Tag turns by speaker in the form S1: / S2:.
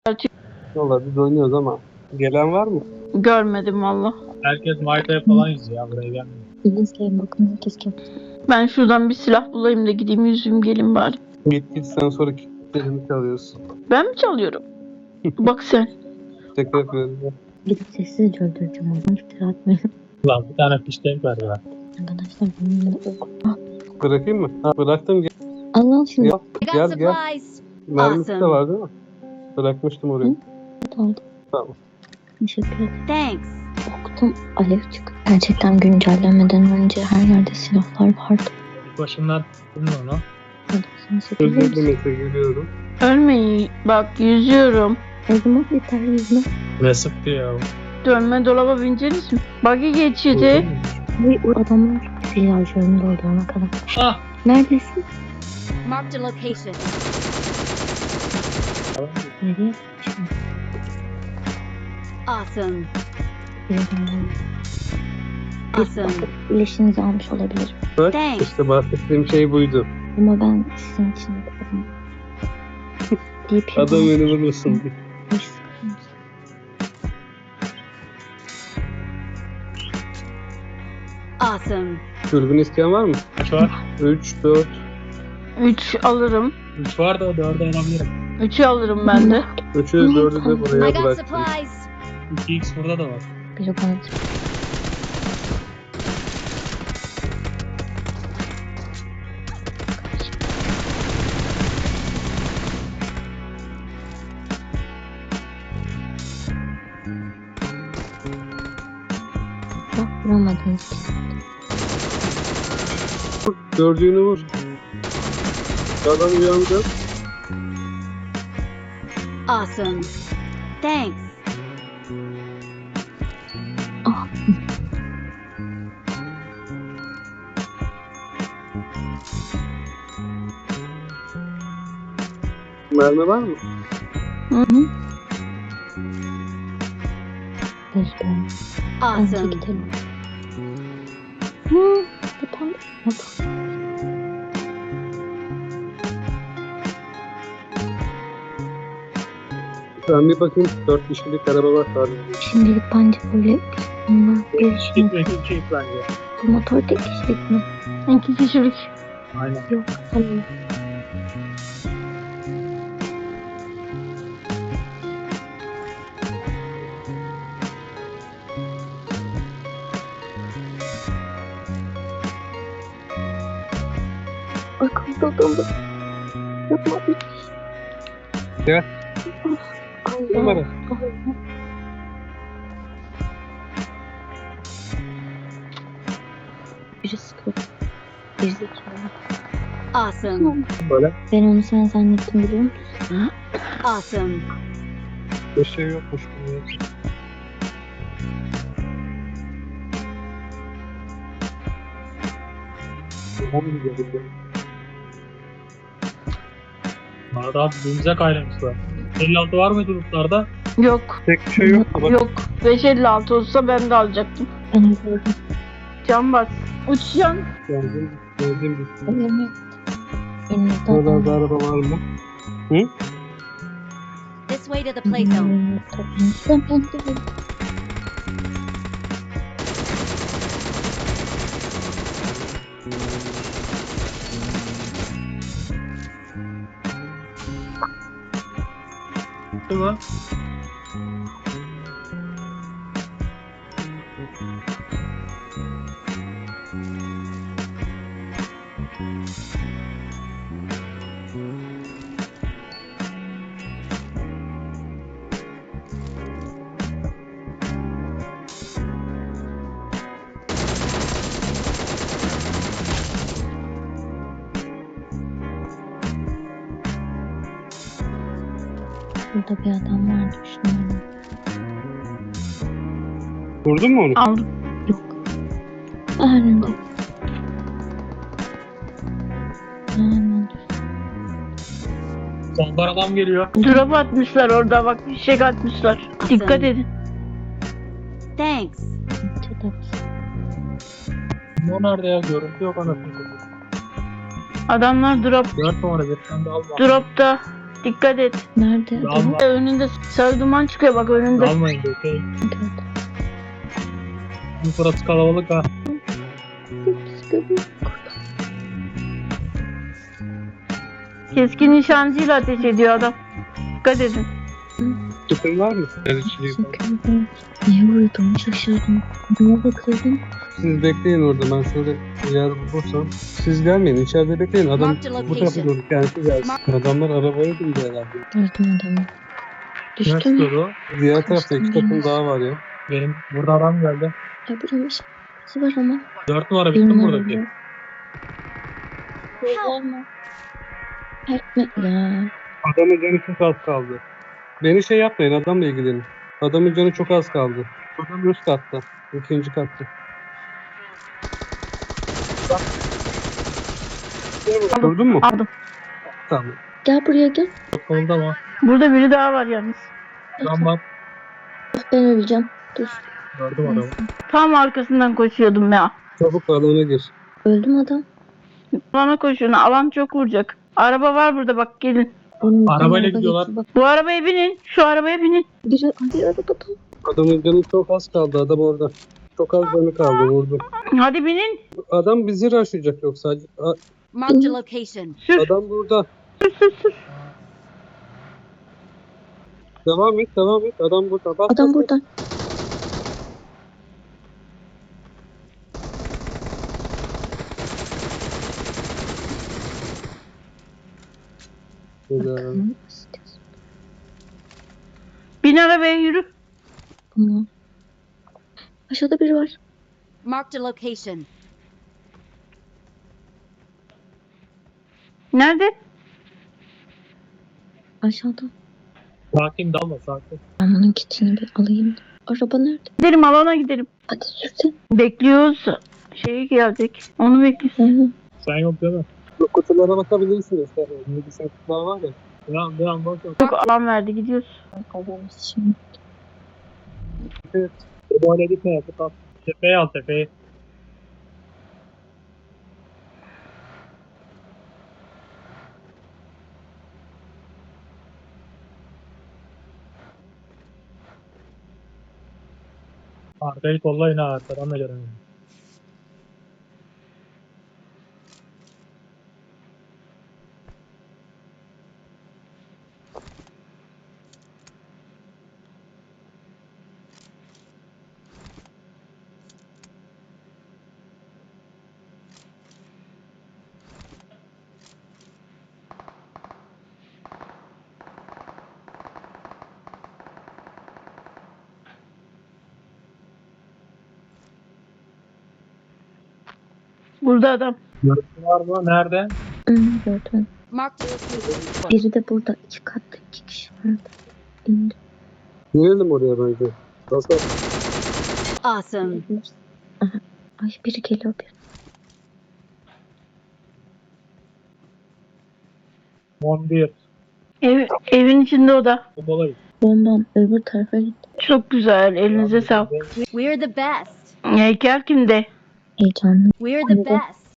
S1: Valla biz oynuyoruz ama gelen var mı?
S2: Görmedim valla.
S3: Herkes Mayta'ya falan yüzüyor ya, buraya gelmiyor.
S4: İzleyin bakın herkes kim.
S2: Ben şuradan bir silah bulayım da gideyim yüzüm gelin bari.
S1: Git sen sonra kilitlerini çalıyorsun.
S2: Ben mi çalıyorum? Bak sen.
S1: Şaka yapıyorum ya.
S4: Gidip sessizce öldüreceğim onu. İftira atmayın.
S3: Ulan bir tane fiştek ver ya.
S4: Arkadaşlar bunun ok.
S1: Bırakayım mı? Ha, bıraktım.
S4: Allah'ın şunu.
S1: Gel,
S5: I got
S1: gel.
S5: supplies.
S1: Mermisi de
S5: Awesome.
S1: var değil mi? Bırakmıştım oraya.
S4: Hı? Aldım.
S1: Tamam.
S4: Teşekkür ederim.
S5: Thanks.
S4: Okudum. Alev çıktı. Gerçekten güncellemeden önce her yerde silahlar vardı.
S3: İlk başından bilmiyorum onu.
S1: Özür dilerim, görüyorum.
S2: Ölmeyin. Bak yüzüyorum.
S4: Ezma yeter yüzme.
S3: Ne sıktı ya.
S2: Dönme dolaba bineceğiz mi? Buggy geçidi.
S4: Ve o adamlar silahlarını doldurana kadar.
S3: Ah!
S4: Neredesin?
S5: Marked a location.
S4: Nereye? Şimdi
S5: Awesome.
S4: birazdan
S5: Awesome.
S4: İleşinizi almış olabilirim.
S1: Bak
S5: Thanks.
S1: işte bahsettiğim şey buydu.
S4: Ama ben sizin için yaparım. Deyip
S1: Adam beni vurmasın diye.
S4: hiç sıkıntı.
S5: Awesome.
S1: Dürbün isteyen var mı?
S3: Kaç var?
S1: 3, 4.
S2: 3 alırım.
S3: 3 var da 4'ü alabilirim.
S2: 3'ü alırım ben de.
S1: 3'ü 4'ü de
S5: I
S1: buraya
S5: got
S1: bıraktım.
S5: supplies.
S3: 2x burada da var.
S4: Biri bana bak vuramadınız ki.
S1: Gördüğünü vur. Adam uyandı.
S5: Awesome. Thanks.
S4: Ah.
S1: Mermi var mı?
S2: Hı hı.
S4: Bence
S5: Awesome.
S4: gidelim. Hı, tamam.
S1: Ben bir bakayım. 4 kişilik araba var sadece.
S4: Şimdilik bence böyle bunlar
S3: Gitme
S4: görüşmek.
S3: 2x bence.
S4: Bu motor tek kişilik mi?
S2: 2 kişilik.
S3: Aynen.
S4: Yok. Tamam. Arkamda adam var. Yapma.
S1: Gel.
S4: Allah.
S1: Numara.
S4: Allah. Biri sıkıyor. Gerizekalı.
S5: Awesome.
S1: Böyle.
S4: Ben onu sen zannettim biliyor musun?
S5: Awesome.
S1: Bir şey yokmuş.
S3: Arada abi birbirimize kaynamışlar. 56 var mıydı lootlarda?
S2: Yok.
S1: Tek bir şey yok. Bak.
S2: Yok. 556 olsa ben de alacaktım.
S4: Ben öldürdüm.
S2: Can bas. Uçyan.
S1: Geldim. Geldim bitti.
S4: Önümde. Önümüzde
S1: Burada
S4: adam
S1: da
S4: var.
S1: araba var mı?
S5: This way to the play zone.
S4: Tabii. Ben de
S3: Değil mi?
S4: burada bir adam var düşünüyorum.
S1: Vurdun mu onu?
S2: Aldım.
S4: Yok. Önümde. Hemen dur.
S3: Soldan adam geliyor.
S2: Drop atmışlar orada bak. Fişek atmışlar. Dikkat edin.
S5: Thanks.
S4: Çatal.
S3: O nerede ya? Görüntü yok anasını satayım.
S2: Adamlar
S3: 4 numara bir tane de alma.
S2: dropta. Dikkat et.
S4: Nerede?
S3: Dalma.
S2: Önünde sarı duman çıkıyor bak önünde.
S3: Dalmayın diyor. Şey,
S4: Gördüm.
S3: bu burası kalabalık ha.
S2: Keskin nişancıyla ateş ediyor adam. Dikkat edin.
S1: Tüpün var mı? Erişiliği falan.
S4: Teşekkürler. Niye vurdum? Şaşırdım. Neye bakıyordum?
S1: Siz bekleyin orada, ben şöyle bir yer bulursam. Siz gelmeyin, içeride bekleyin. Adam
S5: Marked a
S1: bu tarafa
S5: location.
S1: doğru kendisi gelsin. Adamlar arabaya bindi herhalde.
S4: Gördüm adamı.
S3: Ne
S4: Düştü mü?
S3: tutuyordu o?
S1: Diğer tarafta 2 takım daha var ya.
S3: Benim burada adam geldi.
S4: Ya buranın işi var ama.
S3: 4 numara bitti mi buradaki?
S4: Var mı? Etme ya.
S1: Adamın canı çok az kaldı. Beni şey yapmayın, adamla ilgilenin. Adamın canı çok az kaldı. Adam üst katta. 2. katta. Gördün mü?
S2: Aldım.
S1: Tamam.
S4: Gel buraya gel.
S3: Solda ama.
S2: Burada biri daha var yalnız.
S3: Adam var.
S4: Ben öleceğim. Dur.
S3: Gördüm adamı.
S2: Tam arkasından koşuyordum ya.
S1: Çabuk alana gir.
S4: Öldüm adam.
S2: Alana koşuyor. Alan çok vuracak. Araba var burada bak gelin.
S4: Onun
S3: Arabayla
S4: araba
S3: gidiyorlar.
S4: geçti, Bak
S2: Bu arabaya binin. Şu arabaya binin.
S4: biri hadi arabada.
S1: Adamın canı çok az kaldı. Adam orada. Çok az canı kaldı. Vurdu.
S2: Hadi binin.
S1: Adam bizi raşlayacak yoksa.
S5: Marked a location.
S2: Sür
S1: Adam burada.
S2: sür sür sür.
S1: Devam et, devam et. Adam burada. Bak,
S4: Adam
S1: bak,
S4: burada.
S1: Güzel.
S2: Bin arabaya yürü.
S4: Tamam. Aşağıda biri var.
S5: Marked a location.
S2: Nerede?
S4: Aşağıda.
S3: Sakin dalma sakin.
S4: Ben bunun kitini bir alayım. Araba nerede?
S2: Gidelim alana gidelim.
S4: Hadi sürsen.
S2: Bekliyoruz. Şey gelecek. Onu bekliyoruz.
S3: Sen yok değil mi?
S1: Bu kutulara bakabilirsiniz. Medisyen kutular var ya.
S3: Devam boş yok.
S2: Çok alan verdi gidiyoruz.
S4: Kazanmış şimdi.
S1: Evet.
S3: Böyle gitme ya. Tut al. Tepeye al tepeyi. Arkayı kollayın ha. Arkadan da göremiyorum.
S2: Burada adam.
S3: Görüntü var mı? Nerede?
S4: Gördüm.
S5: Marked a location.
S4: Biri de burada. 2 katta 2 kişi vardı. İndi.
S1: Girelim oraya bence. Nasıl?
S5: Awesome.
S4: Aha. Ay biri geliyor bir.
S3: 11.
S2: Evin içinde o da.
S3: Bombalayın.
S4: Bombam öbür tarafa gitti.
S2: Çok güzel. Elinize sağlık.
S5: We're the best.
S2: Heykel kimde?
S4: Heyecanlı.
S5: We're the best.